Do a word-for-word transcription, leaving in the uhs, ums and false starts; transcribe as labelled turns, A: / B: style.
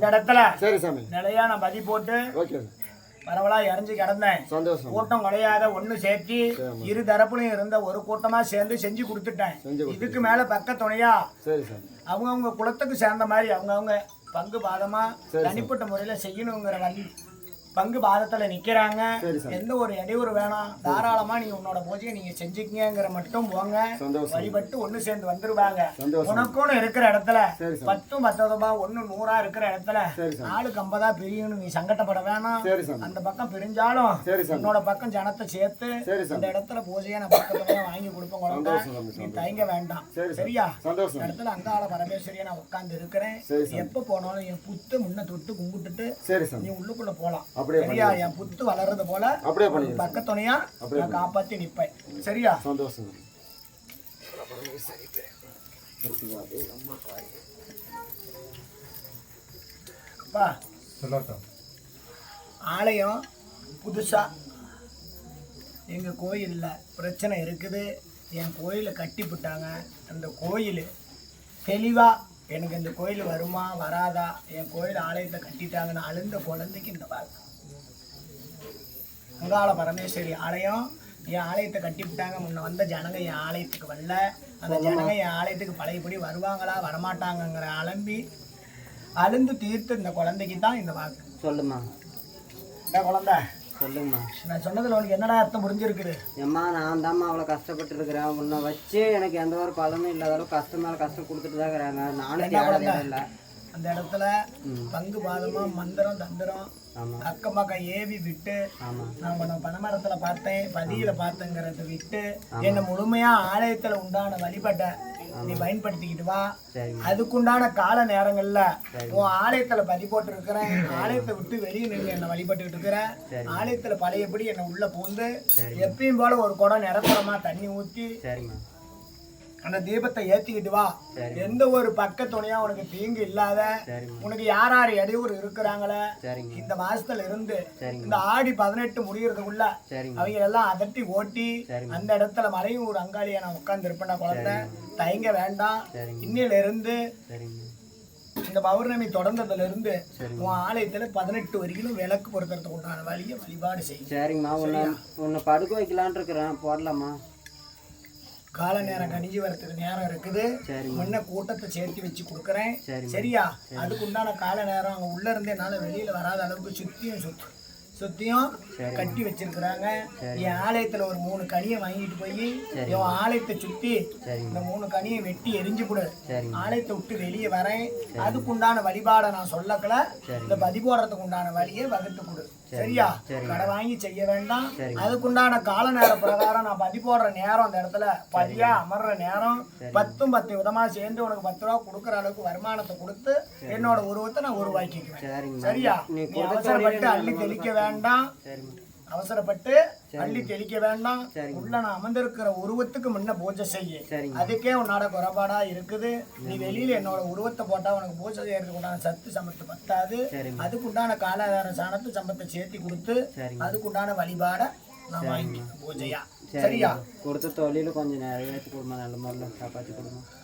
A: இந்த இடத்துல
B: சரி சாமி
A: நிலையான பதி போட்டு
B: ஓகே
A: பரவலா இறஞ்சி கிடந்தேன்.
B: சந்தோஷம்.
A: கூட்டம் கிடையாத ஒண்ணு சேர்த்தி இரு தரப்புலையும் இருந்த ஒரு கூட்டமா சேர்ந்து செஞ்சு கொடுத்துட்டேன். இதுக்கு மேல பக்க துணையா
B: சரி சாமி
A: அவங்கவுங்க குலத்துக்கு சேர்ந்த மாதிரி அவங்கவுங்க பங்கு பாதமா தனிப்பட்ட முறையில செய்யணுங்கிற வழி பங்கு பாதத்துல நிக்கிறாங்க. எந்த ஒரு இடையூறு வேணாம், தாராளமா நீ உன்னோட பூஜையை நீங்க செஞ்சுக்கங்கிற மட்டும் போங்க. வழிபட்டு ஒண்ணு சேர்ந்து வந்துருவாங்க. உனக்குன்னு இருக்கிற இடத்துல பத்தும் பத்தொன்பதா ஒண்ணு நூறா இருக்கிற இடத்துல நாளுக்கு ஐம்பதா பிரியணும். நீ சங்கடப்பட வேணாம். அந்த பக்கம் பிரிஞ்சாலும் உன்னோட பக்கம் ஜனத்தை சேர்த்து அந்த இடத்துல பூஜையை நான் பக்கத்துல வாங்கி கொடுப்பேன். குழந்தை நீ தயங்க வேண்டாம். சரியா? இந்த இடத்துல அங்காள பரமேஸ்வரியை நான் உட்கார்ந்து இருக்கிறேன். எப்ப போனாலும் என் புத்து முன்ன தொட்டு கும்பிட்டுட்டு நீ உள்ளுக்குள்ள போலாம். சரியா? என் புத்து வளர்றது போல பக்கத்துணையா நான் காப்பாத்தி நிப்பேன். சரியா?
B: சந்தோஷம்.
A: ஆலயம் புதுசா எங்க கோயில்ல பிரச்சனை இருக்குது. என் கோயிலை கட்டி விட்டாங்க. அந்த கோயில் தெளிவா எனக்கு இந்த கோயில் வருமா வராதா, என் கோயில் ஆலயத்தை கட்டிட்டாங்கன்னு அழுந்த குழந்தைக்கு இந்த வாழ்க்கை அங்காள பரமேஸ்வரி ஆலயம் என் ஆலயத்தை கட்டிவிட்டாங்க. முன்ன வந்த ஜனங்க என் ஆலயத்துக்கு வரல. அந்த ஜனங்க என் ஆலயத்துக்கு பழையபடி வருவாங்களா வரமாட்டாங்கங்கிற அலம்பி அழுந்து தீர்த்து இந்த குழந்தைக்கு தான் இந்த வாக்கு.
C: சொல்லுமா
A: என்ன குழந்தை
C: சொல்லுங்கம்மா.
A: நான் சொன்னதுல உனக்கு என்னடா அர்த்தம் புரிஞ்சிருக்குது?
C: ஏம்மா நான் தாம்மா அவ்வளோ கஷ்டப்பட்டு இருக்கிறேன். உன்னை வச்சு எனக்கு எந்த ஒரு பலனும் இல்லாத அளவு கஷ்டம் மேலே கஷ்டம் கொடுத்துட்டு தான் இருக்கிறாங்க. நானும் இல்லை
A: அந்த இடத்துல பங்கு பாதமா மந்திரம் தந்திரம் அக்கம் பக்கம் ஏவி விட்டு நம்ம பனைமரத்துல பார்த்தேன் பதியில பார்த்தேங்கிறத விட்டு என்ன முழுமையா ஆலயத்துல உண்டான வழிபட்ட நீ பயன்படுத்திக்கிட்டு வா. அதுக்குண்டான கால நேரங்கள்ல உன் ஆலயத்துல பதி போட்டு இருக்கிறேன். ஆலயத்தை விட்டு வெளியே நின்று என்ன வழிபட்டுக்கிட்டு இருக்கிறேன். ஆலயத்துல பழையபடி என்ன உள்ள பூந்து எப்பயும் போல ஒரு குடம் நிரப்புறமா தண்ணி ஊற்றி அந்த தீபத்தை ஏத்திக்கிட்டு வா. எந்த ஒரு பக்க துணையா உனக்கு தீங்கு இல்லாத உனக்கு யார் யார் இடையூறு இருக்கிறாங்களே இந்த மாசத்துல இருந்து இந்த ஆடி பதினெட்டு முடியறதுக்குள்ள அவங்க எல்லாம் அதட்டி ஓட்டி அந்த இடத்துல மலையும் ஒரு அங்காளியா நான் உட்கார்ந்து இருப்பேன். குழந்தை தயங்க வேண்டாம். இன்னில இருந்து இந்த பௌர்ணமி தொடர்ந்ததுல இருந்து உன் ஆலயத்துல பதினெட்டு வரைக்கும் விளக்கு பொருத்துறதுக்கு உண்டான வழியை வழிபாடு செய்யும்.
C: சரிங்கம்மா. உன்னை உன்னை படுக்க வைக்கலான் இருக்கிறேன். போடலாமா?
A: கால நேரம் கணிஞ்சு வரத்துக்கு நேரம் இருக்குது. முன்ன கூட்டத்தை சேர்த்து வச்சு கொடுக்குறேன். சரியா? அதுக்கு உண்டான கால நேரம் அங்கே உள்ள இருந்தே என்னால வெளியில வராத அளவுக்கு சுத்தியும் சுத்து சுத்தியும் கட்டி வச்சிருக்கிறாங்க. என் ஆலயத்துல ஒரு மூணு கனியை வாங்கிட்டு போய் என் ஆலயத்தை சுத்தி இந்த மூணு கனியை வெட்டி எரிஞ்சு கொடு. ஆலயத்தை விட்டு வெளியே வரேன். அதுக்குண்டான வழிபாடை நான் சொல்லக்கல. இந்த பதி போடுறதுக்கு உண்டான வழியை வகுத்து கொடு. சரியா? கடை வாங்கி செய்ய வேண்டாம். அதுக்குண்டான கால நேர பிரகாரம் நான் பதி போடுற நேரம் அந்த இடத்துல பதியா அமர்ற நேரம் பத்தும் பத்து விதமா சேர்ந்து உனக்கு பத்து ரூபா கொடுக்குற அளவுக்கு வருமானத்தை கொடுத்து என்னோட உருவத்தை நான் உருவாக்கிக்குவேன். சரியா? நீ அவசரப்பட்டு அள்ளி தெளிக்க வேண்டாம். அவசரப்பட்டு அள்ளி தெளிக்க வேண்டாம். உள்ள நான் அமர்ந்திருக்கிற உருவத்துக்கு முன்ன பூஜை செய்ய. அதுக்கே உன்னோட குறைபாடா இருக்குது. நீ வெளியில என்னோட உருவத்தை போட்டா உனக்கு பூஜை செய்யறதுக்கு உண்டான சத்து சம்பத்து பத்தாது. அதுக்கு உண்டான காலாதார சாணத்து சம்பத்தை சேர்த்தி கொடுத்து அதுக்கு உண்டான வழிபாட நான் வாங்கி பூஜையா. சரியா?
C: கொடுத்த தொழில கொஞ்சம் நிறைவேற்றி கொடுமா. நல்ல முறையில் காப்பாற்றி கொடுமா.